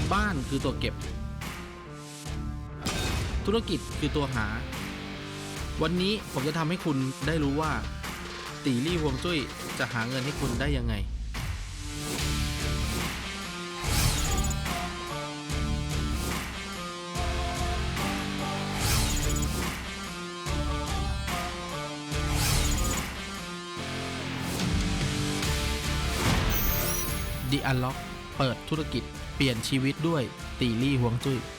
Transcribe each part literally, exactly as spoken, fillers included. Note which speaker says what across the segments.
Speaker 1: บ้านคือตัวเก็บธุรกิจคือตัวหาวันนี้ผมจะทำให้คุณได้รู้ว่าตีลี่ฮวงจุ้ยจะหาเงินให้คุณได้ยังไงThe Unlock เปิดธุรกิจเปลี่ยนชีวิตด้วยตีลี่ฮวงจุ้ย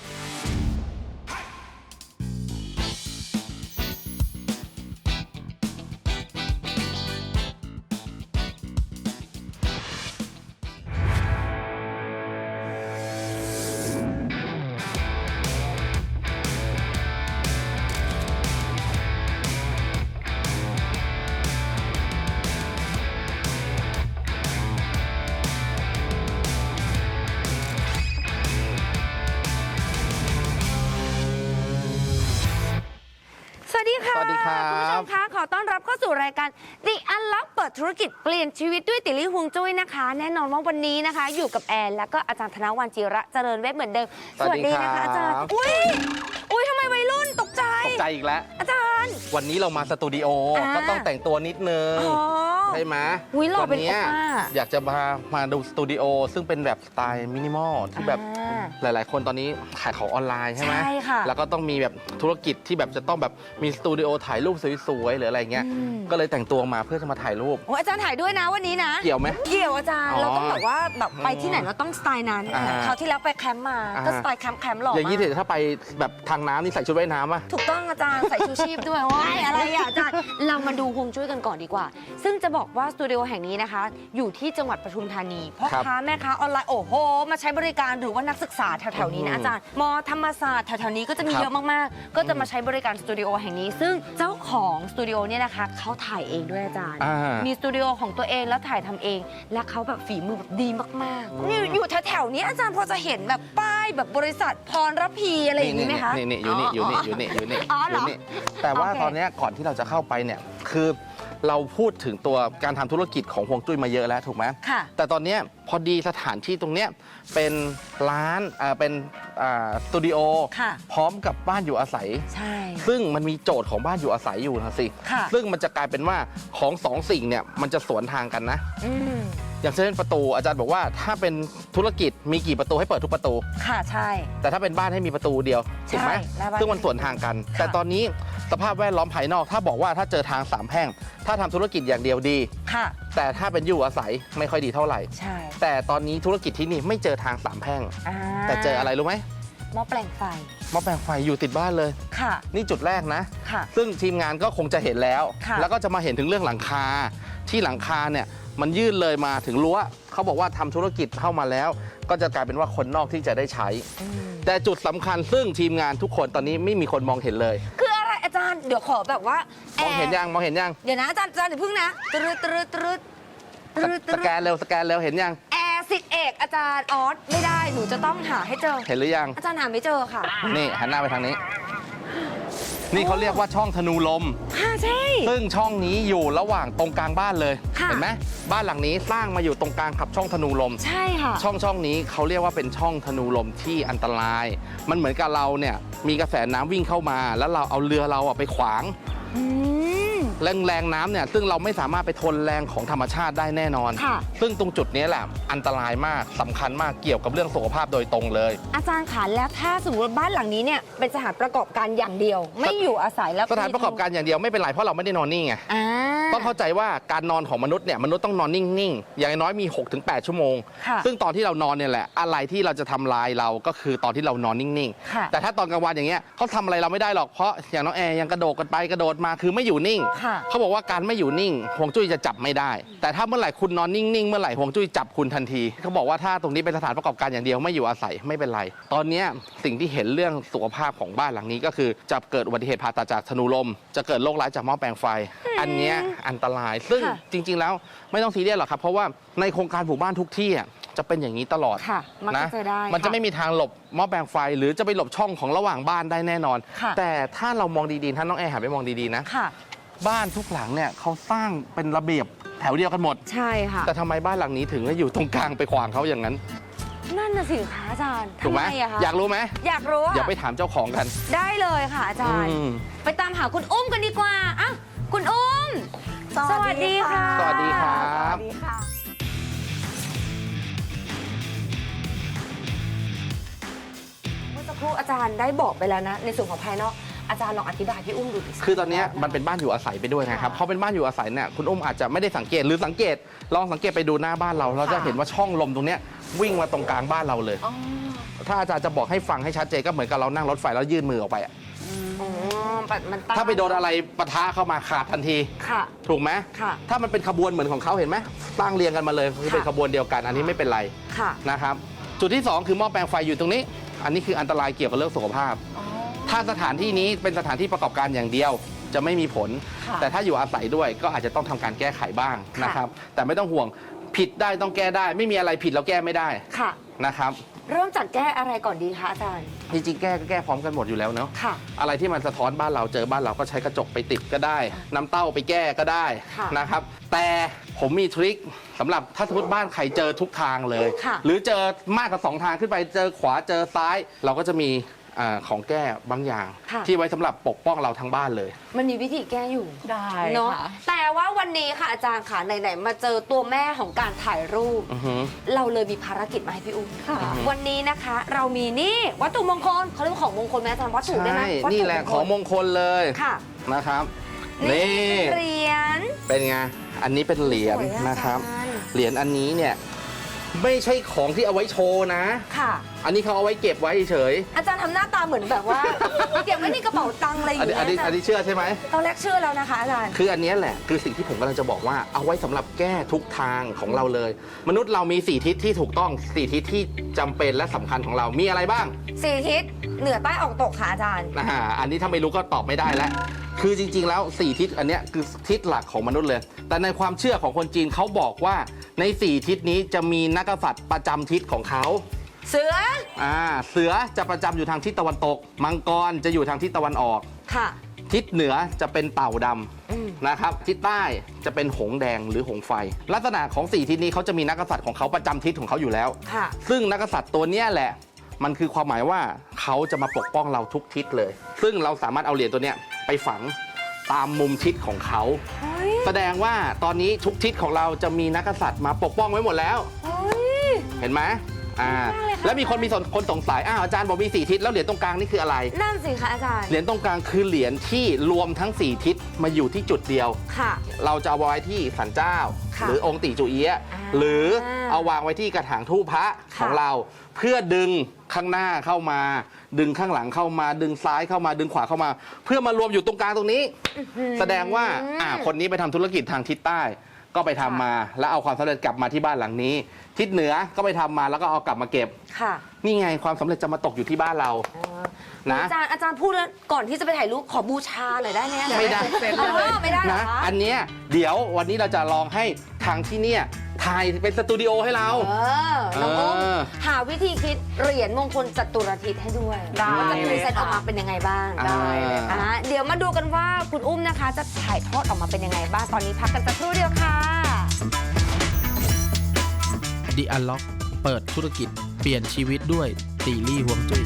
Speaker 2: สวัสดีค่ะ
Speaker 1: สวัสดีครับ
Speaker 2: คุณผู้ชมคะขอต้อนรับเข้าสู่รายการ The Unlock เปิดธุรกิจเปลี่ยนชีวิตด้วยติลี่ฮวงจุ้ยนะคะแน่นอนว่าวันนี้นะคะอยู่กับแอนแล้วก็อาจารย์ธนวัลย์จิระเจริญเวชเหมือนเดิม
Speaker 1: สวัสดีครับ
Speaker 2: นะคะอาจารย์อุ้ยอุ้ยทำไมวัยรุ่นตกใจ
Speaker 1: ตกใจอีกแล้ว
Speaker 2: อาจารย์
Speaker 1: วันนี้เรามาสตูดิโอ
Speaker 2: อ่า
Speaker 1: ก็ต้องแต่งตัวนิดนึง
Speaker 2: อ๋อ
Speaker 1: ใช่ไหม
Speaker 2: อุ๊ยหล่อเป็น
Speaker 1: วันี้
Speaker 2: โอป้า
Speaker 1: อยากจะมามาดูสตูดิโอซึ่งเป็นแบบสไตล์มินิมอลที่แบบ
Speaker 2: อ่า
Speaker 1: หลาย ๆ คนตอนนี้ขายของออนไลน์ใช่ไหม
Speaker 2: ใช่ค่ะ
Speaker 1: แล้วก็ต้องมีแบบธุรกิจที่แบบจะต้องแบบมีสตูดิโอถ่ายรูปสวย ๆ หรืออะไรเงี้ย
Speaker 2: อืม
Speaker 1: ก็เลยแต่งตัวมาเพื่อจะมาถ่ายรูป
Speaker 2: โอ้อาจารย์ถ่ายด้วยนะวันนี้นะ
Speaker 1: เกี่ยวไหม
Speaker 2: เกี่ยวอาจารย์
Speaker 1: อ๋อ
Speaker 2: เราต้องแบบว่าแบบไปที่ไหนเราต้องสไตล์นั้น
Speaker 1: อ่า
Speaker 2: คราวที่แล้วไปแคมป์มา
Speaker 1: อ่า
Speaker 2: ก็สไตล์แคมป์แคมป์หล่อ
Speaker 1: อย่างนี้
Speaker 2: มาก
Speaker 1: ถ้าไปแบบทางน้ำนี่ใส่ชุดว่ายน้ำป่ะ
Speaker 2: ถูกต้องอาจารย์ใส่ชูชีพด้วยว้ายอะไรอ่ะอาจารย์เรามาดูฮวงจุ้ยกันก่อนดีกว่า ซึ่งจะบอกว่าสตูดิโอแห่งนี้นะคะ อยู่ที่จังหวัดปทุมธานีพ่อ
Speaker 1: ครับ
Speaker 2: ค้าแม่ค้าออนไลน์โอ้โหมาใช้บริการหรือว่านักศึกษาแถวๆนี้นะอาจารย์มอธรรมศาสตร์แถวๆนี้ก็จะมี
Speaker 1: ครับ
Speaker 2: เยอะมากๆ ก็จะมาใช้บริการสตูดิโอแห่งนี้ ซึ่งเจ้าของสตูดิโอเนี่ยนะคะเขาถ่ายเองด้วยอาจารย์
Speaker 1: อ่า
Speaker 2: มีสตูดิโอของตัวเองแล้วถ่ายทำเอง และเขาแบบฝีมือแบบดีมากๆนี่อยู่แถวๆนี้อาจารย์พอจะเห็นแบบป้ายแบบบริษัทพรระพีอะไรอย่างนี้ไหมคะ
Speaker 1: นี่นี่อยู่นี่อยู่นี่อยู่นี่อยู่นี่
Speaker 2: อ๋อเหรอ
Speaker 1: นี่แต่ว่า
Speaker 2: โอเค
Speaker 1: ตอนเนี้ยก่อนที่เราจะเข้าไปเนี่ยคือเราพูดถึงตัวการทำธุรกิจของฮวงจุ้ยมาเยอะแล้วถูกไหม
Speaker 2: ค่ะ
Speaker 1: แต่ตอนเนี้ยพอดีสถานที่ตรงเนี้ยเป็นร้านอ่าเป็นอ่าสตูดิโอ
Speaker 2: ค่ะ
Speaker 1: พร้อมกับบ้านอยู่อาศัย
Speaker 2: ใช่
Speaker 1: ซึ่งมันมีโจทย์ของบ้านอยู่อาศัยอยู่นะสิ
Speaker 2: ค่ะ
Speaker 1: ซึ่งมันจะกลายเป็นว่าของสองสิ่งเนี่ยมันจะสวนทางกันนะ
Speaker 2: อืม
Speaker 1: อย่างเช่นประตูอาจารย์บอกว่าถ้าเป็นธุรกิจมีกี่ประตูให้เปิดทุกประตู
Speaker 2: ค่ะใช่
Speaker 1: แต่ถ้าเป็นบ้านให้มีประตูเดียวถูกไหม
Speaker 2: ใช่หน้าบ้าน
Speaker 1: ซึ่งมันสวนทางกัน
Speaker 2: ค่ะ
Speaker 1: แต่ตอนนี้สภาพแวดล้อมภายนอก ถ้าบอกว่าถ้าเจอทางสามแพร่ง ถ้าทำธุรกิจอย่างเดียวดี
Speaker 2: ค่ะ
Speaker 1: แต่ถ้าเป็นอยู่อาศัยไม่ค่อยดีเท่าไหร่
Speaker 2: ใช่
Speaker 1: แต่ตอนนี้ธุรกิจที่นี่ไม่เจอทางสามแพร่ง
Speaker 2: อ่า
Speaker 1: แต่เจออะไรรู้ไหม
Speaker 2: หม้อแปลงไฟ
Speaker 1: หม้อแปลงไฟอยู่ติดบ้านเลย
Speaker 2: ค่ะ
Speaker 1: นี่จุดแรกนะ
Speaker 2: ค่ะ
Speaker 1: ซึ่งทีมงานก็คงจะเห็นแล้ว
Speaker 2: ค่ะ
Speaker 1: แล้วก็จะมาเห็นถึงเรื่องหลังคา ที่หลังคาเนี่ยมันยื่นเลยมาถึงรั้วเขาบอกว่าทำธุรกิจเข้ามาแล้ว ก็จะกลายเป็นว่าคนนอกที่จะได้ใช้
Speaker 2: อืม
Speaker 1: แต่จุดสำคัญซึ่งทีมงานทุกคนตอนนี้ไม่มีคนมองเห็นเลย
Speaker 2: คืออะไรอาจารย์เดี๋ยวขอแบบว่าม
Speaker 1: องเห็นยังมองเห็นยัง
Speaker 2: เดี๋ยวนะอาจารย์อาจารย์เดี๋ยวพึ่งนะตรึดตรึดตรึดต
Speaker 1: ส
Speaker 2: รึดต
Speaker 1: ส
Speaker 2: รึ
Speaker 1: แก
Speaker 2: ด
Speaker 1: นเร็วสแกนเร็วเห็นยัง
Speaker 2: แอร์สิทธิเอกอาจารย์ออสไม่ได้หนูจะต้องหาให้เจอ
Speaker 1: เห็นหรือยัง
Speaker 2: อาจารย์หาไม่เจอค่ะ
Speaker 1: นี่หันหน้าไปทางนี้ นี่เขาเรียกว่าช่องธนูลม
Speaker 2: ค่ะใช่
Speaker 1: ซึ่งช่องนี้อยู่ระหว่างตรงกลางบ้านเลย
Speaker 2: ค่ะ
Speaker 1: เห็นไหมบ้านหลังนี้สร้างมาอยู่ตรงกลางขับช่องธนูลม
Speaker 2: ใช่ค่ะ
Speaker 1: ช่องช่องนี้เขาเรียกว่าเป็นช่องธนูลมที่อันตราย มันเหมือนกับเราเนี่ยมีกระแสน้ำวิ่งเข้ามา แล้วเราเอาเรือเราอะไปขวาง
Speaker 2: อืม
Speaker 1: แรงแรงน้ำเนี่ยซึ่งเราไม่สามารถไปทนแรงของธรรมชาติได้แน่นอน
Speaker 2: ค่ะ
Speaker 1: ซึ่งตรงจุดนี้แหละอันตรายมากสำคัญมากเกี่ยวกับเรื่องสุขภาพโดยตรงเลย
Speaker 2: อาจารย์คะแล้วถ้าสมมติว่าบ้านหลังนี้เนี่ยเป็นสถานประกอบการอย่างเดียว ไม่อยู่อาศัยแล้ว
Speaker 1: สถานประกอบการอย่างเดียวไม่เป็นไรเพราะเราไม่ได้นอนนิ่งไง
Speaker 2: อ่า
Speaker 1: ต้องเข้าใจว่าการนอนของมนุษย์เนี่ยมนุษย์ต้องนอนนิ่งๆ อย่างน้อยมี หกถึงแปด ชั่วโมง
Speaker 2: ค่ะ
Speaker 1: ซึ่งตอนที่เรานอนเนี่ยแหละอะไรที่เราจะทำลายเราก็คือตอนที่เรานอนนิ่ง
Speaker 2: ค่ะ
Speaker 1: ๆ แต่ถ้าตอนกลางวันอย่างเงี้ยเขาทำอะไรเราไม่ได้หรอกเพราะอย่างน้องแอร์ยังกระโดดกันไปกระโดดมาคือไม่อยู่นิ่ง
Speaker 2: ค่ะ
Speaker 1: เขาบอกว่าการไม่อยู่นิ่งฮวงจุ้ยจะจับไม่ได้ แต่ถ้าเมื่อไหร่คุณนอนนิ่งๆเมื่อไหร่ฮวงจุ้ยจับคุณทันทีเขาบอกว่าถ้าตรงนี้เป็นสถานประกอบการอย่างเดียวไม่อยู่อาศัยไม่เป็นไร ตอนเนี้ยสิ่งที่เห็นเรื่องสุขภาพของบ้านหลังนี้ก็คือจะเกิดอุบัติเหตุผ่าตัดจากธนูลม จะเกิดโรคร้ายจากหม้อแปลงไฟ อันเนี้ยอันตราย ซึ่ง
Speaker 2: ค่ะ
Speaker 1: จริง ๆ แล้วไม่ต้องซีเรียสหรอกครับเพราะว่าในโครงการหมู่บ้านทุกที่อ่ะจะเป็นอย่างนี้ตลอด
Speaker 2: ค่ะมัก
Speaker 1: นะ
Speaker 2: จะเจอได้
Speaker 1: มันจะ
Speaker 2: ค่
Speaker 1: ไม่มีทางหลบหม้อแปลงไฟ หรือจะไปหลบช่องของระหว่างบ้านได้แน่นอน
Speaker 2: ค่ะ
Speaker 1: แต่ถ้าเรามองดีๆถ้าน้องแอร์หันไปมองดีๆนะ
Speaker 2: ค่ะ
Speaker 1: บ้านทุกหลังเนี่ยเขาสร้างเป็นระเบียบแถวเดียวกันหมด
Speaker 2: ใช่ค่ะ
Speaker 1: แต่ทำไมบ้านหลังนี้ถึงอยู่ตรงกลางไปขวางเขาอย่างนั้น
Speaker 2: นั่นน่ะสิคะอาจารย์
Speaker 1: ถูกไหม
Speaker 2: ทำอะคะ
Speaker 1: อยากรู้ไหม
Speaker 2: อยากรู้อะ
Speaker 1: อย่าไปถามเจ้าของกัน
Speaker 2: ได้เลยค่ะอาจารย์
Speaker 1: อืม
Speaker 2: ไปตามหาคุณอุ้มกันดีกว่าอ้าวคุณอุ้ม สวัสดีค่ะ
Speaker 1: สวัสดีครับ
Speaker 3: สวัสดีค่ะ
Speaker 2: เมื่อสักครู่อาจารย์ได้บอกไปแล้วนะ ในส่วนของภายนอกอาจารย์ลองอธิบายพี่อุ้มดูดิ
Speaker 1: คือตอนเนี้ยมันเป็นบ้านอยู่อาศัยไปด้วยนะครับพอเป็นบ้านอยู่อาศัยเนี่ยคุณอุ้มอาจจะไม่ได้สังเกตหรือสังเกตลองสังเกตไปดูหน้าบ้านเรา เราจะเห็นว่าช่องลมตรงเนี้ยวิ่งมาตรงกลางบ้านเราเลย ถ้าอาจารย์จะบอกให้ฟังให้ชัดเจนก็เหมือนกับเรานั่งรถไฟแล้วยื่นมือออกไปอะ
Speaker 2: อ๋อมันตั้ง
Speaker 1: ถ้าไปโดนอะไรปะทะเข้ามาขาดทันที
Speaker 2: ค่ะ
Speaker 1: ถูกไหม
Speaker 2: ค่ะ
Speaker 1: ถ้ามันเป็นขบวนเหมือนของเขาเห็นไหมตั้งเรียงกันมาเลยคือเป็น
Speaker 2: ค่ะ
Speaker 1: ขบวนเดียวกัน อันนี้ไม่เป็นไร
Speaker 2: ค่ะ
Speaker 1: นะครับจุดที่สองคือหม้อแปลงไฟอยู่ตรงนี้ อันนี้คืออันตรายเกี่ยวกับเรื่องสุขภาพ ถ้าสถานที่นี้เป็นสถานที่ประกอบการอย่างเดียวจะไม่มีผล
Speaker 3: ค่ะ
Speaker 1: แต่ถ้าอยู่อาศัยด้วยก็อาจจะต้องทำการแก้ไขบ้าง
Speaker 2: ค่ะ
Speaker 1: นะครับ แต่ไม่ต้องห่วงผิดได้ต้องแก้ได้ ไม่มีอะไรผิดแล้วแก้ไม่ได้
Speaker 2: ค่ะ
Speaker 1: นะครับ
Speaker 2: เริ่มจากแก้อะไรก่อนดีคะอาจารย์
Speaker 1: จริงๆแก้ก็แก้พร้อมกันหมดอยู่แล้วเนาะ
Speaker 2: ค่ะ
Speaker 1: อะไรที่มันสะท้อนบ้านเราเจอบ้านเราก็ใช้กระจกไปติดก็ได้ น้ำเต้าไปแก้ก็ได้
Speaker 2: ค่ะ
Speaker 1: นะครับ แต่ผมมีทริคสำหรับถ้าสมมติบ้านใครเจอทุกทางเลย
Speaker 2: ค่ะ
Speaker 1: หรือเจอมากกว่าสองทางขึ้นไปเจอขวาเจอซ้าย เราก็จะมีอาของแก้บางอย่าง
Speaker 2: ค่ะ
Speaker 1: ที่ไว้สำหรับปกป้องเราทั้งบ้านเลย
Speaker 2: มันมีวิธีแก้อยู่
Speaker 3: ได้
Speaker 2: เนาะ
Speaker 3: ค่ะ
Speaker 2: แต่ว่าวันนี้ค่ะอาจารย์ค่ะไหนๆมาเจอตัวแม่ของการถ่ายรูป
Speaker 1: อือฮึ
Speaker 2: เราเลยมีภารกิจมาให้พี่อุ้ม
Speaker 3: ค่ะ
Speaker 2: วันนี้นะคะ เรามีนี่วัตถุมงคลเขาเรียกว่าของมงคลไหมอาจารย์วัตถุได้ไหม
Speaker 1: ใช่
Speaker 2: วัตถุ
Speaker 1: นี่แหละของมงคลเลย
Speaker 2: ค่ะ
Speaker 1: นะครับ
Speaker 2: นี่
Speaker 1: นี่
Speaker 2: เหรียญ
Speaker 1: เป็นไง อันนี้เป็นเหรียญ
Speaker 2: สวยอะ
Speaker 1: นะครับ
Speaker 2: อาจารย์
Speaker 1: เหรียญอันนี้เนี่ยไม่ใช่ของที่เอาไว้โชว์นะ
Speaker 2: ค่ะ
Speaker 1: อันนี้เขาเอาไว้เก็บไว้เฉย
Speaker 2: อาจารย์ทำหน้าตาเหมือนแบบว่า เก็บไว้ในกระเป๋าตังค์อะไรอ
Speaker 1: อัน
Speaker 2: ย่าง
Speaker 1: นี้
Speaker 2: เงี้
Speaker 1: อันนี้อัน
Speaker 2: ย
Speaker 1: นี้เชื่อใช่ไหม
Speaker 2: ตอนแรกเชื่อแล้วนะคะอาจารย์
Speaker 1: คืออันเนี้ยแหละคือสิ่งที่ผมกำลังจะบอกว่าเอาไว้สำหรับแก้ทุกทางของเราเลย มนุษย์เรามีสี่ทิศที่ถูกต้องสี่ทิศที่จำเป็นและสำคัญของเรามีอะไรบ้าง
Speaker 2: สี่ทิศเหนือใต้ออกตกค่ะอาจารย์
Speaker 1: อ่าอันนี้ถ้าไม่รู้ก็ตอบไม่ได้แล้ว คือจริงๆ แล้วสี่ทิศอันเนี้ยคือทิศหลักของมนุษย์เลย แต่ในความเชื่อของคนจีนเขาบอกว่าในสี่ทิศนี้จะมีนักกษัตริย์ประจำทิศของเขา
Speaker 2: เสือ
Speaker 1: อ่าเสือจะประจำอยู่ทางทิศตะวันตก มังกรจะอยู่ทางทิศตะวันออก
Speaker 2: ค่ะ
Speaker 1: ทิศเหนือจะเป็นเต่าด
Speaker 2: อืม
Speaker 1: ำนะครับ ทิศใต้จะเป็นหงส์แดงหรือหงส์ไฟ ลักษณะของสี่ทิศนี้เขาจะมีนักกษัตริย์ของเขาประจำทิศของเขาอยู่แล้ว
Speaker 2: ค่ะ
Speaker 1: ซึ่งนักกษัตริย์ตัวเนี้ยแหละ มันคือความหมายว่าเขาจะมาปกป้องเราทุกทิศเลย ซึ่งเราสามารถเอาเหรียญตัวเนี้ยไปฝังตามมุมทิศของเขา
Speaker 2: เฮ้ย
Speaker 1: แสดงว่าตอนนี้ทุกทิศของเราจะมีนักกษัตริย์มาปกป้องไว้หมดแล้ว
Speaker 2: เฮ้ย
Speaker 1: เห็นไหมอ่า
Speaker 2: มากเลยค่ะ
Speaker 1: แล้วมีคนมีคนสงสัยอ้าวอาจารย์บอกมีสี่ทิศแล้วเหรียญตรงกลางนี่คืออะไร
Speaker 2: นั่นสิคะอาจารย์
Speaker 1: เหรียญตรงกลางคือเหรียญที่รวมทั้งสี่ทิศมาอยู่ที่จุดเดียว
Speaker 2: ค่ะ
Speaker 1: เราจะเอาไว้ที่ศาลเจ้า
Speaker 2: ค่ะ
Speaker 1: หรือองค์ติจูเอียะ
Speaker 2: อ่า
Speaker 1: หรือเอาวางไว้ที่กระถางทูปพระ
Speaker 2: ค่ะ
Speaker 1: ของเรา เพื่อดึงข้างหน้าเข้ามา ดึงข้างหลังเข้ามา ดึงซ้ายเข้ามาดึงขวาเข้ามา เพื่อมารวมอยู่ตรงกลางตรงนี้ แสดงว่าอ่าคนนี้ไปทำธุรกิจทางทิศใต้ ก็ไปทำมา แล้วเอาความสำเร็จกลับมาที่บ้านหลังนี้ ทิศเหนือก็ไปทำมาแล้วก็เอากลับมาเก็บ
Speaker 2: ค่ะ
Speaker 1: นี่ไงความสำเร็จจะมาตกอยู่ที่บ้านเรา นะ
Speaker 2: อาจารย์อาจารย์พูดแล้วก่อนที่จะไปถ่ายรูปขอบูชาหน่อยได้ไหม
Speaker 1: ไม่ได้
Speaker 2: เออไม่ได้เหรอ
Speaker 1: นะ
Speaker 2: คะ
Speaker 1: อันเนี้ยเดี๋ยววันนี้เราจะลองให้ทางที่เนี่ยถ่ายเป็นสตูดิโอให้เรา
Speaker 2: เออน้องอุ้ม
Speaker 1: เออ
Speaker 2: หาวิธีคิดเหรียญมงคลจัตุรทิศให้ด้วย
Speaker 3: ได้
Speaker 2: ว่าจะพ
Speaker 3: เล
Speaker 2: รี
Speaker 3: ย
Speaker 2: เซนต์อ
Speaker 3: ค่ะ
Speaker 2: อกมาเป็นยังไงบ้าง
Speaker 1: ได้เลย
Speaker 2: อ่าเดี๋ยวมาดูกันว่าคุณอุ้มนะคะ จะถ่ายทอดออกมาเป็นยังไงบ้าง ตอนนี้พักกันสักครู่เดียวค่ะ
Speaker 4: The Unlock เปิดธุรกิจเปลี่ยนชีวิตด้วยตีลี่ฮวงจุ้ย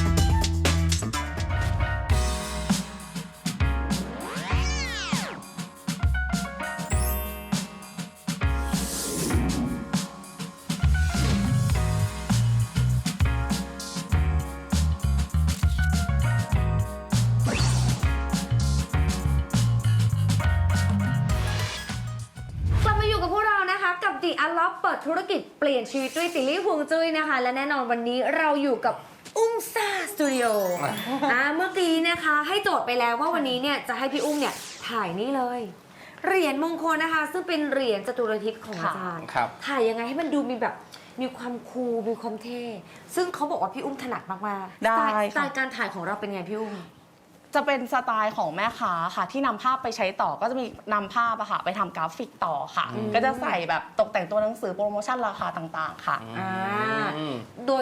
Speaker 2: กลับมาอยู่กับพวกเรานะคะกับ The Unlock เปิดธุรกิจเปลี่ยนชีวิตด้วยติลลี่ฮวงจุ้ยนะคะ และแน่นอนวันนี้เราอยู่กับอุ้มซ่าสตูดิโออ่าเมื่อกี้นะคะให้โจทย์ไปแล้วว่าวันนี้เนี่ยจะให้พี่อุ้มเนี่ยถ่ายนี่เลย เหรียญมงคลนะคะ ซึ่งเป็นเหรียญจตุรทิศของอาจารย์
Speaker 1: ครับ
Speaker 2: ถ่ายยังไงให้มันดูมีแบบมีความคูลมีความเท่ ซึ่งเขาบอกว่าพี่อุ้มถนัดมากๆ
Speaker 3: ได้
Speaker 2: สไตล์
Speaker 3: ค่ะ
Speaker 2: สไตล์การถ่ายของเราเป็นไงพี่อุ้ม
Speaker 3: จะเป็นสไตล์ของแม่ค้าค่ะ ที่นำภาพไปใช้ต่อก็จะมีนำภาพอะค่ะ ไปทำกราฟิกต่อค่ะ
Speaker 2: อืม
Speaker 3: ก็จะใส่แบบตกแต่งตัวหนังสือโปรโมชั่นราคาต่างๆ ค่ะ
Speaker 2: อ่า
Speaker 1: อืม
Speaker 2: โดย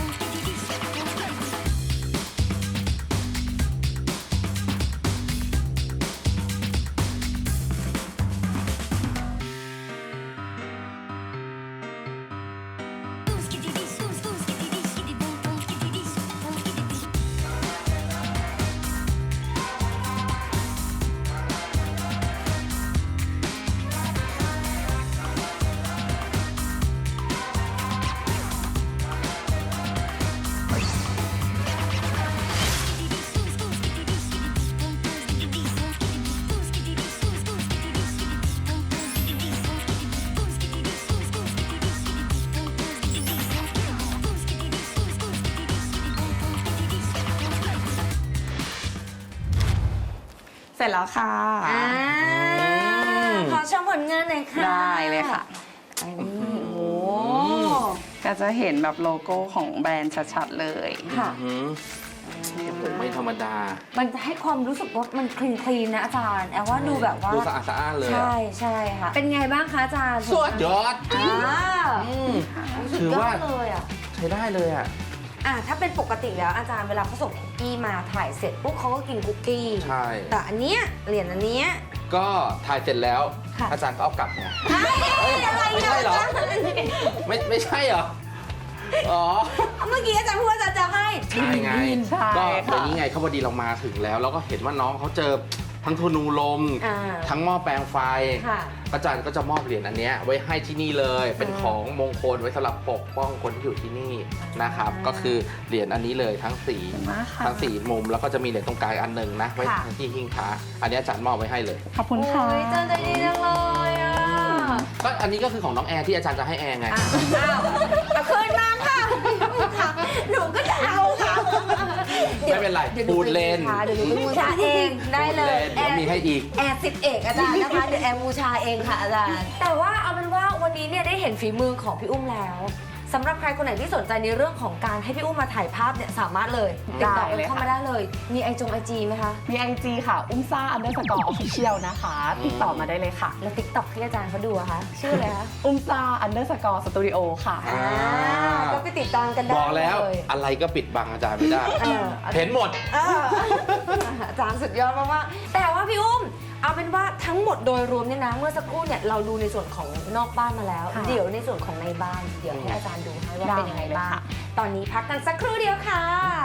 Speaker 3: เสร็จแล้วค่ะ
Speaker 2: อ่าขอชมผลงานหน่อยค่ะ
Speaker 3: ได้เลยค่ะ
Speaker 2: อันนี้โอ้โห
Speaker 3: ก็จะเห็นแบบโลโก้ของแบรนด์ชัดๆเลย
Speaker 2: ค่ะ
Speaker 1: อืมโอ้โหไม่ธรรมดา
Speaker 2: มันจะให้ความรู้สึกว่ามันคลีนคลีนนะอาจารย์แอลว่าดูแบบว่า
Speaker 1: ดูสะอาดสะอ้านเลยอะ
Speaker 2: ใช่ใช่ค่ะ เป็นไงบ้างคะอาจารย์
Speaker 1: สุดยอด
Speaker 2: อ่า
Speaker 1: อืม
Speaker 2: สุด
Speaker 1: ถือย
Speaker 2: อ
Speaker 1: ว่า
Speaker 2: ดเลยอ่ะ
Speaker 1: ใช้ได้เลยอ่ะ
Speaker 2: อ่ะถ้าเป็นปกติแล้วอาจารย์เวลาเขาส่งคุกกี้มาถ่ายเสร็จปุ๊บเขาก็กินคุกกี้
Speaker 1: ใช่
Speaker 2: แต่อันเนี้ยเหรียญอันเนี้ย
Speaker 1: ก็ถ่ายเสร็จแล้ว
Speaker 2: ค่ะ
Speaker 1: อาจารย์ก็เอากลับไง
Speaker 2: อะไร
Speaker 1: ไม่ใช่เหรอ ไม่ไม่ใช่เหรอ อ๋อ
Speaker 2: เมื่อกี้อาจารย์พูดว่าอาจารย์จะให้
Speaker 1: ใช่ไง
Speaker 3: ใช่
Speaker 1: ก็
Speaker 3: ค่ะ
Speaker 1: อย่างนี้ไงเขาพอดีเรามาถึงแล้ว แล้วก็เห็นว่าน้องเขาเจอทั้งธนูลม
Speaker 2: อ่า
Speaker 1: ทั้งหม้อแปลงไฟ
Speaker 2: ค่ะ
Speaker 1: อาจารย์ก็จะมอบเหรียญอันเนี้ยไว้ให้ที่นี่เลย เป็นของมงคลไว้สำหรับปกป้องคนที่อยู่ที่นี่นะครับ
Speaker 2: อ่า
Speaker 1: ก็คือเหรียญอันนี้เลยทั้งสี่
Speaker 3: ขอบคุณมากค่ะ
Speaker 1: ทั้งสี่มุมแล้วก็จะมีเหรียญตรงกลางอันหนึ่งนะไว้
Speaker 2: ค่ะ
Speaker 1: ที่หิ้งพระอันนี้อาจารย์มอบไว้ให้เลย
Speaker 3: ขอบคุณค่ะ
Speaker 2: โอ้ยอาจารย์ใจดีจังเลยอ่ะ
Speaker 1: ก็อันนี้ก็คือของน้องแอร์ที่อาจารย์จะให้แอร์ไง
Speaker 2: อ้าวเอาคืนมาค่ะหนูก็จะเอาค่ะ
Speaker 1: ไม่เป็นไร
Speaker 2: ดี๋ยวห
Speaker 1: พูดเล่น
Speaker 2: เดี๋ยวหนูเป็นบูชาเองได้เลย
Speaker 1: เดี๋ยวมีให้อีก
Speaker 2: แอร์สิบเอกอาจารย์นะคะเดี๋ยวแอร์บูชาเองค่ะอาจารย์ แต่ว่าเอาเป็นว่าวันนี้เนี่ยได้เห็นฝีมือของพี่อุ้มแล้วสำหรับใครคนไหนที่สนใจในเรื่องของการให้พี่อุ้มมาถ่ายภาพเนี่ยสามารถเลยติดต่อ
Speaker 3: ได้เลย
Speaker 2: เข้า
Speaker 3: ค่ะ
Speaker 2: มาได้เลย มีไอจงไอจีไหมคะ
Speaker 3: มีไอจีค่ะ อุ้มซ่าอันเดอร์สกอร์ออฟฟิเชียลนะคะ ติดต่อมาได้เลยค่ะ
Speaker 2: แล้วติ๊กต็อกที่อาจารย์เขาดูอะคะชื่ออะไรคะ
Speaker 3: อุ้มซ่าอันเดอร์สกอร์สตูดิโอค่ะ
Speaker 1: อ่า
Speaker 2: ก็ไปติดตามกันได้
Speaker 1: บอกแล้ว
Speaker 2: เย
Speaker 1: อะไรก็ปิดบังอาจารย์ไม่ได้
Speaker 2: เออ
Speaker 1: เห็นหมด
Speaker 2: เอออาจารย์สุดยอดมากๆแต่ว่าพี่อุ้มเอาเป็นว่าทั้งหมดโดยรวมเนี่ยนะเมื่อสักครู่เนี่ยเราดูในส่วนของนอกบ้านมาแล้ว
Speaker 3: ค่ะ
Speaker 2: เดี๋ยวในส่วนของในบ้านเดี๋ยวให้อาจารย์ดูให้ว่า
Speaker 3: ได้
Speaker 2: เป็นยังไง
Speaker 3: เลย
Speaker 2: บ้าง
Speaker 3: ค่ะ
Speaker 2: ตอนนี้พักกันสักครู่เดียวค่ะ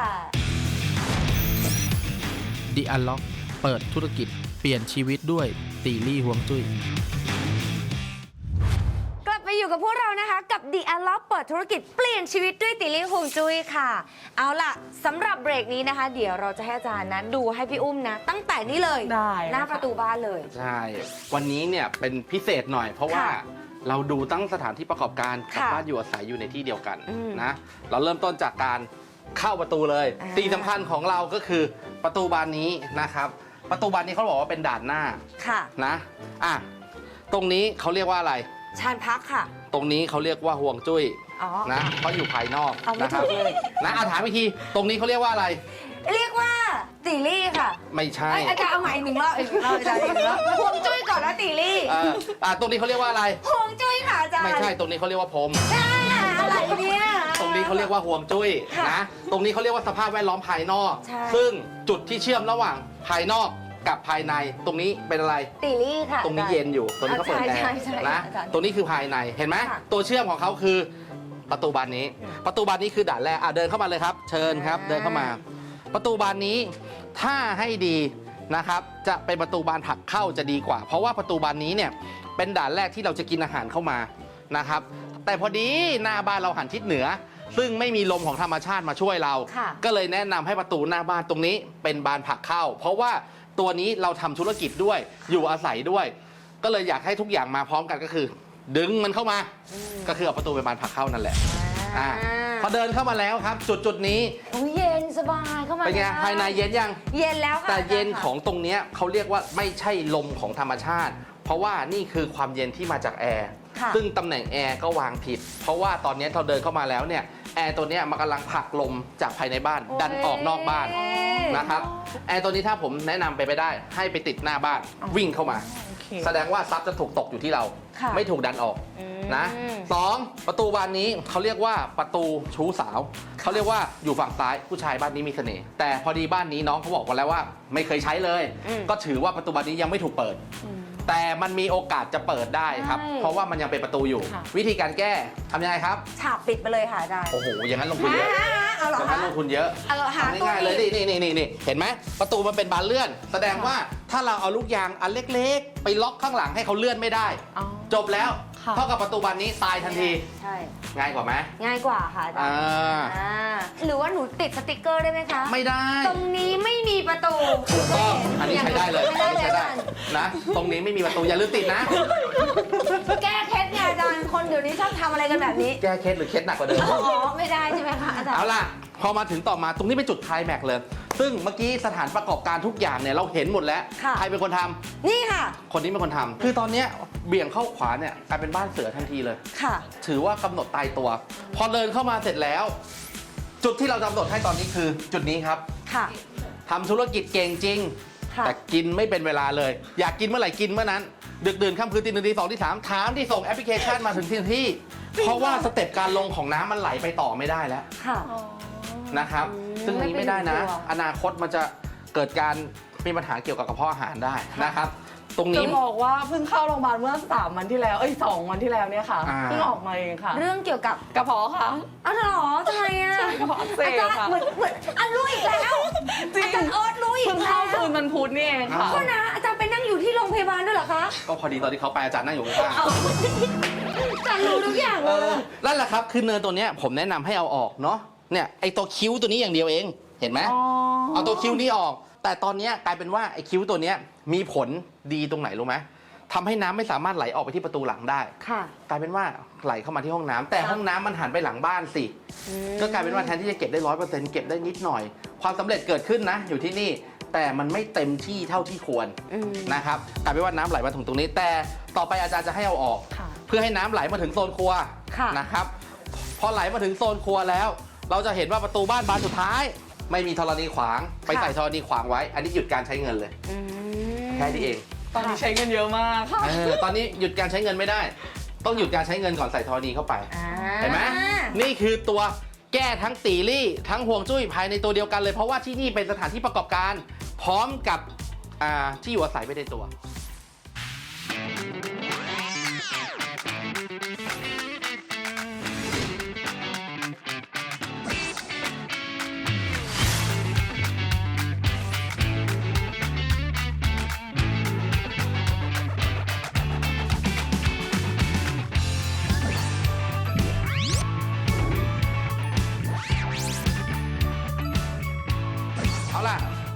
Speaker 4: The Unlock เปิดธุรกิจเปลี่ยนชีวิตด้วยตีลี่ฮวงจุ้ย
Speaker 2: อยู่กับพวกเรานะคะกับ The Unlock เปิดธุรกิจเปลี่ยนชีวิตด้วยติลี่ฮวงจุ้ยค่ะ เอาล่ะสำหรับเบรกนี้นะคะ เดี๋ยวเราจะให้อาจารย์นะดูให้พี่อุ้มนะ ตั้งแต่นี้เลย
Speaker 3: ได้
Speaker 2: หน้าประตูบ้านเลย
Speaker 1: ใช่ วันนี้เนี่ยเป็นพิเศษหน่อย เพราะว่า
Speaker 2: ค่ะ
Speaker 1: เราดูตั้งสถานที่ประกอบการกับ
Speaker 2: ค่ะ
Speaker 1: บ้านอยู่อาศัยอยู่ในที่เดียวกัน
Speaker 2: อืม
Speaker 1: นะ เราเริ่มต้นจากการเข้าประตูเลย
Speaker 2: อ่า
Speaker 1: สิ่งสำคัญของเราก็คือประตูบานนี้นะครับ ประตูบานนี้เขาบอกว่าเป็นด่านหน้า
Speaker 2: ค่ะ
Speaker 1: นะ อ่ะ ตรงนี้เขาเรียกว่าอะไร
Speaker 2: ชานพักค่ะ
Speaker 1: ตรงนี้เขาเรียกว่าห่วงจุ้ย
Speaker 2: อ๋อ
Speaker 1: นะเพราะอยู่ภายนอก
Speaker 2: เอาไม่
Speaker 1: นะครั
Speaker 2: ถูกเลย
Speaker 1: นะอาถามอีกที ตรงนี้เขาเรียกว่าอะไร
Speaker 2: เรียกว่าติลี่ค่ะ
Speaker 1: ไม่ใช่
Speaker 2: เอ้ยอาจารย์เอาใหม่อีกหนึ่งรอบอีกหนึ่งรอบอาจารย์อีกหนึ่งรอบฮวงจุ้ยก่อนนะติลี่
Speaker 1: เอ่ออ่ะตรงนี้เขาเรียกว่าอะไร
Speaker 2: ฮวงจุ้ยค่ะอาจารย์
Speaker 1: ไม่ใช่ ตรงนี้เขาเรียกว่าพรม
Speaker 2: ใช่ค่ะอะไรเนี่ย
Speaker 1: ตรงนี้เขาเรียกว่าห่วงจุ้ย
Speaker 2: ค่ะ
Speaker 1: นะ ตรงนี้เขาเรียกว่าสภาพแวดล้อมภายนอก
Speaker 2: ใช่
Speaker 1: ซึ่งจุดที่เชื่อมระหว่างภายนอกกับภายใน ตรงนี้เป็นอะไร
Speaker 2: ติลี่ค่ะ
Speaker 1: ตรงนี้เย็นอยู่ ตรงนี้เขาเปิดแอ
Speaker 2: ใช่
Speaker 1: ร์
Speaker 2: ใช่ใช่
Speaker 1: นะ
Speaker 2: อาจารย์
Speaker 1: ตรงนี้คือภายใน เห็นไหม
Speaker 2: ค่ะ
Speaker 1: ตัวเชื่อมของเขาคือประตูบานนี้ ประตูบานนี้คือด่านแรกอ่ะเดินเข้ามาเลยครับ เชิญครับ
Speaker 2: อ่า
Speaker 1: เดินเข้ามา ประตูบานนี้ถ้าให้ดีนะครับ จะเป็นประตูบานผลักเข้าจะดีกว่า เพราะว่าประตูบานนี้เนี่ยเป็นด่านแรกที่เราจะกินอาหารเข้ามานะครับ แต่พอดีหน้าบ้านเราหันทิศเหนือ ซึ่งไม่มีลมของธรรมชาติมาช่วยเรา
Speaker 2: ค่ะ
Speaker 1: ก็เลยแนะนำให้ประตูหน้าบ้านตรงนี้เป็นบานผลักเข้า เพราะว่าตัวนี้เราทำธุรกิจด้วยอยู่อาศัยด้วย ก็เลยอยากให้ทุกอย่างมาพร้อมกันก็คือ ดึงมันเข้ามา ก็คือเอาประตูเป็นบานผลักเข้านั่นแหละอ่าพอเดินเข้ามาแล้วครับ จุดจุดๆนี้
Speaker 2: โอ้ยเย็นสบายเข้ามา
Speaker 1: เป็นไง
Speaker 2: แล้ว
Speaker 1: ภายในเย็นยัง
Speaker 2: เย็นแล้วค่ะ
Speaker 1: แต่เย็น
Speaker 2: าจารค่ะ
Speaker 1: ของตรงเนี้ยเขาเรียกว่าไม่ใช่ลมของธรรมชาติ เพราะว่านี่คือความเย็นที่มาจากแอร์
Speaker 2: ค่ะ
Speaker 1: ซึ่งตำแหน่งแอร์ก็วางผิด เพราะว่าตอนนี้เราเดินเข้ามาแล้วเนี่ยแอร์ตัวเนี้ยมันกำลังผลักลมจากภายในบ้าน ดันออกนอกบ้านนะครับแอร์ตัวนี้ถ้าผมแนะนำไปไปได้ ให้ไปติดหน้าบ้านวิ่งเข้ามา
Speaker 3: โอเค
Speaker 1: แสดงว่าทรัพย์จะถูกตกอยู่ที่เรา
Speaker 2: ค่ะ
Speaker 1: ไม่ถูกดันออก
Speaker 2: อืม
Speaker 1: นะสองประตูบานนี้เขาเรียกว่าประตูชู้สาวเขาเรียกว่าอยู่ฝั่งซ้ายผู้ชายบ้านนี้มีเสน่ห์แต่พอดีบ้านนี้น้องเขาบอกมาแล้วว่า ไม่เคยใช้เลย
Speaker 2: อืม
Speaker 1: ก็ถือว่าประตูบานนี้ยังไม่ถูกเปิด แต่มันมีโอกาสจะเปิดได้ครับ
Speaker 2: ใช่
Speaker 1: เพราะว่ามันยังเป็นประตูอยู่
Speaker 3: ค่ะ
Speaker 1: วิธีการแก้ทำยังไงครับ
Speaker 2: ฉาบปิดไปเลยค่ะอาจารย์
Speaker 1: โอ้โหอย่างนั้นลงทุนเยอะ
Speaker 2: ฮะเอาเหรอ
Speaker 1: อย่าง
Speaker 2: คะ
Speaker 1: นั้นลงทุนเยอะ
Speaker 2: เอาหา
Speaker 1: ทำ
Speaker 2: ตัว
Speaker 1: ง่ายๆเลย
Speaker 2: อีก
Speaker 1: นี่นี่นี่นี่เห็นไหมประตูมันเป็นบานเลื่อน แสดงว่าถ้าเราเอาลูกยางอันเล็กๆ ไปล็อกข้างหลังให้เขาเลื่อนไม่ได้
Speaker 3: อ๋อ
Speaker 1: จบแล้ว
Speaker 3: ค่ะ
Speaker 1: เท่ากับประตูบานนี้ตายทันที
Speaker 2: ใช่
Speaker 1: ง่ายกว่าไหม
Speaker 2: ง่ายกว่าค่ะอาจาร
Speaker 1: อ่า
Speaker 2: ย์อ่าหรือว่าหนูติดสติกเกอร์ได้ไหมคะ
Speaker 1: ไม่ได้
Speaker 2: ตรงนี้ไม่มีประตู
Speaker 1: ถูกต้องอันนี้ใช้ได้เลย
Speaker 2: ไม่
Speaker 1: อัน
Speaker 2: ได้
Speaker 1: นี้
Speaker 2: เลย
Speaker 1: ใช้ได้
Speaker 2: อาจารย์
Speaker 1: นะ ตรงนี้ไม่มีประตูอย่าลืมติดนะ
Speaker 2: แก้เคล็ดไงอาจารย์คนเดี๋ยวนี้ชอบทำอะไรกันแบบนี้
Speaker 1: แก้เคล็ดหรือเคล็ดหนักกว่าเดิม
Speaker 2: อ๋อไม่ได้ใช่ไหมคะอาจารย์
Speaker 1: เอาล่ะ พอมาถึงต่อมาตรงนี้เป็นจุดไคลแม็กซ์เลย ซึ่งเมื่อกี้สถานประกอบการทุกอย่างเนี่ยเราเห็นหมดแล้ว
Speaker 2: ค่ะ
Speaker 1: ใครเป็นคนทำ
Speaker 2: นี่ค่ะ
Speaker 1: คนนี้เป็นคนทำคือตอนเนี้ยเบี่ยงเข้าขวาเนี่ยกลายเป็นบ้านเสือทันทีเลย
Speaker 2: ค่ะ
Speaker 1: ถือว่ากำหนดตายตัว พอเดินเข้ามาเสร็จแล้ว จุดที่เรากำหนดให้ตอนนี้คือจุดนี้ครับ
Speaker 2: ค่ะ
Speaker 1: ทำธุรกิจเก่งจริง
Speaker 2: ค่ะ
Speaker 1: แต่กินไม่เป็นเวลาเลย อยากกินเมื่อไหร่กินเมื่อนั้น ดึกดื่นค่ำคืนตีหนึ่งตีสองตีสามถามที่ส่งแอปพลิเคชันมาถึงที่ที่ เพราะว่าสเต็ปการลงของน้ำมันไหลไปต่อไม่ได้แล้ว
Speaker 2: ค่ะ
Speaker 1: นะครับ
Speaker 2: อืม
Speaker 1: ซึ่งอันนี้ไม่ได้นะ
Speaker 2: ไม่เป็นห่วง
Speaker 1: อนาคตมันจะเกิดการมีปัญหาเกี่ยวกับกระเพาะอาหารได้นะครับ ตรง
Speaker 3: จะ
Speaker 1: นี้
Speaker 3: บอกว่าเพิ่งเข้าโรงพยาบาลเมื่อสามวันที่แล้ว เอ้ยสองวันที่แล้วเนี่ยค่ะ
Speaker 1: อ่า
Speaker 3: เพิ่งออกมาเองค่ะ
Speaker 2: เรื่องเกี่ยวกับ
Speaker 3: กระเพาะค่ะ
Speaker 2: อ้าวเหรอทำไมอ่ะ
Speaker 3: ใช่กระเพาะอักเสบ
Speaker 2: อาจารย์
Speaker 3: ค่ะ
Speaker 2: เหมือนเหมือนอ่ะรู้อีกแล้ว
Speaker 3: จริง
Speaker 2: อาจารย์โอ๊ตรู้อีก
Speaker 3: เพิ่ง
Speaker 2: แล้
Speaker 3: เข้าว คืนวันพุธนี่เองค่ะ
Speaker 2: ก็นะอาจารย์ไปนั่งอยู่ที่โรงพยาบาลด้วยเหรอคะ
Speaker 1: ก็พอดีตอนที่เขาไปอาจารย์นั่งอยู่ข้าง
Speaker 2: อาจารย์รู้ทุกอย่าง
Speaker 1: ๆ
Speaker 2: เล
Speaker 1: เอย อนั่นแหละครับคือเนินตัวเนี้ยผมแนะนำให้เอาออกเนาะเนี่ยไอตัวคิ้วตัวนี้อย่างเดียวเองเห็นไหม
Speaker 3: อ๋อ
Speaker 1: เอาตัวคิ้วนี้ออก แต่ตอนเนี้ยกลายเป็นว่าไอคิ้วตัวเนี้ยมีผลดีตรงไหนรู้ไหมทำให้น้ำไม่สามารถไหลออกไปที่ประตูหลังได้
Speaker 2: ค่ะ
Speaker 1: กลายเป็นว่าไหลเข้ามาที่ห้องน้ำแต่ห้องน้ำมันหันไปหลังบ้านสิ ก็กลายเป็นว่าแทนที่จะเก็บได้ร้อยเปอร์เซ็นต์เก็บได้นิดหน่อย ความสำเร็จเกิดขึ้นนะอยู่ที่นี่ แต่มันไม่เต็มที่เท่าที่ควร
Speaker 2: อืม
Speaker 1: นะครับกลายเป็นว่าน้ำไหลมาถึงตรงนี้ แต่ต่อไปอาจารย์จะให้เอาออก
Speaker 3: ค่ะ
Speaker 1: เพื่อให้น้ำไหลมาถึงโซนครัว
Speaker 2: ค่ะ
Speaker 1: นะครับ พอไหลมาถึงโซนครัวแล้ว เราจะเห็นว่าประตูบ้านบานสุดท้าย ไม่มีธรณีขวาง ไปใส่ธรณีขวางไว้ อันนี้หยุดการใช้เงินเลย
Speaker 2: อืม
Speaker 1: แค่นี้เอง
Speaker 3: ตอนนี้ใช้เงินเยอะมากค่ะ
Speaker 1: เออตอนนี้หยุดการใช้เงินไม่ได้ ต้องหยุดการใช้เงินก่อนใส่ธรณีเข้าไป
Speaker 2: อ่า
Speaker 1: เห็นไหมนี่คือตัวแก้ทั้งตีรี่ ทั้งห่วงจุ้ยภายในตัวเดียวกันเลย เพราะว่าที่นี่เป็นสถานที่ประกอบการ พร้อมกับอ่าที่อยู่อาศัยไปในตัว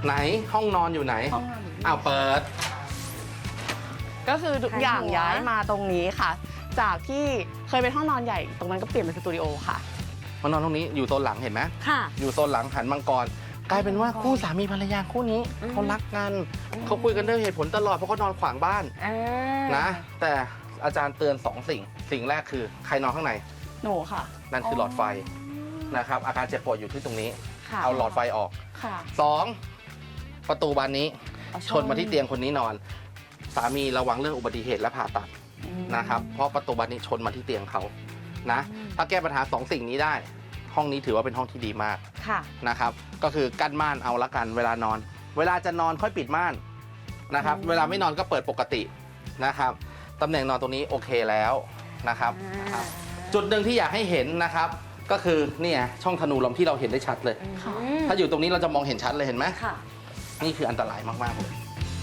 Speaker 1: ไหนห้องนอนอยู่ไหน
Speaker 3: ห้องนอนอยู่นี่
Speaker 1: อ้าวเปิด
Speaker 3: ก็คือทุกอย่าง
Speaker 2: หัว
Speaker 3: ย้ายมาตรงนี้ค่ะ จากที่เคยเป็นห้องนอนใหญ่ ตรงนั้นก็เปลี่ยนเป็นสตูดิโอค่ะ
Speaker 1: มานอนตรงนี้อยู่โซนหลังเห็นไหม
Speaker 2: ค่ะ
Speaker 1: อยู่โซนหลังหันมังกร กลายเป็นว่าคู่สามีภรรยาคู่นี้
Speaker 2: อืม
Speaker 1: เขารักกันเขาคุยกันด้วยเหตุผลตลอดเพราะเขานอนขวางบ้าน
Speaker 2: อ่า
Speaker 1: นะ แต่อาจารย์เตือนสองสิ่ง สิ่งแรกคือใครนอนข้างใน
Speaker 3: หนูค่ะ
Speaker 1: นั่นคือหลอดไฟนะครับ อาการเจ็บปวดอยู่ที่ตรงนี้
Speaker 2: ค่ะ
Speaker 1: เอาหลอดไฟออก
Speaker 3: ค่ะ
Speaker 1: สองประตูบานนี้
Speaker 3: เอา
Speaker 1: ชนมาที่เตียงคนนี้นอน สามีระวังเรื่องอุบัติเหตุและผ่าตัด
Speaker 3: อืม
Speaker 1: นะครับเพราะประตูบานนี้ชนมาที่เตียงเขานะ ถ้าแก้ปัญหาสองสิ่งนี้ได้ ห้องนี้ถือว่าเป็นห้องที่ดีมาก
Speaker 2: ค่ะ
Speaker 1: นะครับก็คือกั้นม่านเอาละกันเวลานอน เวลาจะนอนค่อยปิดม่านนะครับเวลาไม่นอนก็เปิดปกตินะครับตำแหน่งนอนตรงนี้โอเคแล้วนะครับ
Speaker 2: อ่า
Speaker 1: จุดหนึ่งที่อยากให้เห็นนะครับ ก็คือเนี่ยช่องธนูลมที่เราเห็นได้ชัดเลย
Speaker 3: ค่ะ
Speaker 2: อืม
Speaker 1: ถ้าอยู่ตรงนี้เราจะมองเห็นชัดเลยเห็นไหม
Speaker 2: ค่ะ
Speaker 1: นี่คืออันตรายมากๆเลย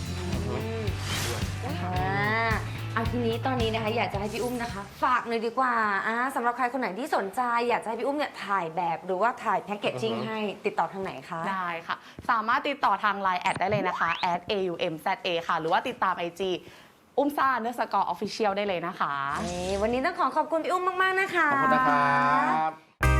Speaker 2: อ่าเอาทีนี้ตอนนี้นะคะอยากจะให้พี่อุ้มนะคะ ฝากหน่อยดีกว่าอ่าสำหรับใครคนไหนที่สนใจ อยากจะให้พี่อุ้มเนี่ยถ่ายแบบหรือว่าถ่ายแพ็กเกจจิ้ง
Speaker 1: อือฮึ
Speaker 2: ให้ติดต่อทางไหนคะ
Speaker 3: ได้ค่ะ สามารถติดต่อทาง ไลน์ แอดได้เลยนะคะ แอด เอ ยู เอ็ม แซด เอ ค่ะ หรือว่าติดตาม ไอ จี อุ้มซ่าเนื้อสกอร์ออฟฟิเชียลได้เลยนะคะ
Speaker 2: นี่วันนี้ต้องขอขอบคุณพี่อุ้มมาก ๆ นะคะ
Speaker 1: ขอบคุณนะครับ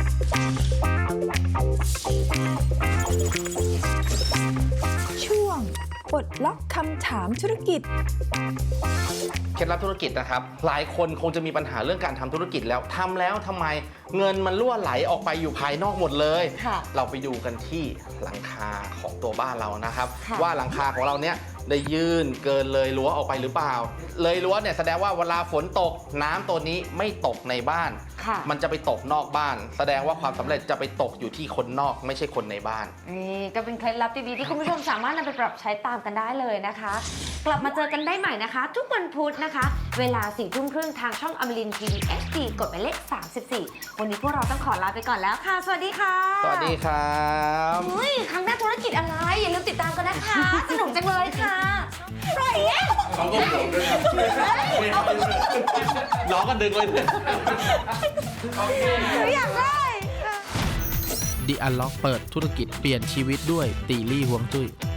Speaker 5: ช่วงปลดล็อกคำถามธุรกิจ
Speaker 1: เคล็ดลับธุรกิจนะครับ หลายคนคงจะมีปัญหาเรื่องการทำธุรกิจแล้วทำแล้วทำไมเงินมันรั่วไหลออกไปอยู่ภายนอกหมดเลย
Speaker 2: ค่ะ
Speaker 1: เราไปดูกันที่หลังคาของตัวบ้านเรานะครับ
Speaker 2: ค่ะ
Speaker 1: ว่าหลังคาของเราเนี้ยได้ยื่นเกินเลยรั้วออกไปหรือเปล่า เลยรั้วเนี่ยแสดงว่าเวลาฝนตกน้ำตัวนี้ไม่ตกในบ้าน
Speaker 2: ค่ะ
Speaker 1: มันจะไปตกนอกบ้าน แสดงว่าความสำเร็จจะไปตกอยู่ที่คนนอกไม่ใช่คนในบ้าน
Speaker 2: นี่ก็เป็นเคล็ดลับดีๆที่คุณผู้ชมสามารถนำไปปรับใช้ตามกันได้เลยนะคะ กลับมาเจอกันได้ใหม่นะคะ ทุกวันพุธนะคะ เวลาสี่ทุ่มครึ่งทางช่องอมรินทีวี เอช ดี กดหมายเลขสามสิบสี่ วันนี้พวกเราต้องขอลาไปก่อนแล้วค่ะ สวัสดีค่ะ
Speaker 1: สวัสดีครับ
Speaker 2: เฮ้ยครั้งหน้าธุรกิจอะไร อย่าลืมติดตามกันนะคะ สนุกจังเลยค่ะปล่อยเอ๊ะ
Speaker 1: เขาก็ผมด้วยครับน้องก็ดึงเลย
Speaker 2: อยากได้
Speaker 4: The Unlock เปิดธุรกิจเปลี่ยนชีวิตด้วยตีลี่ฮวงจุ้ย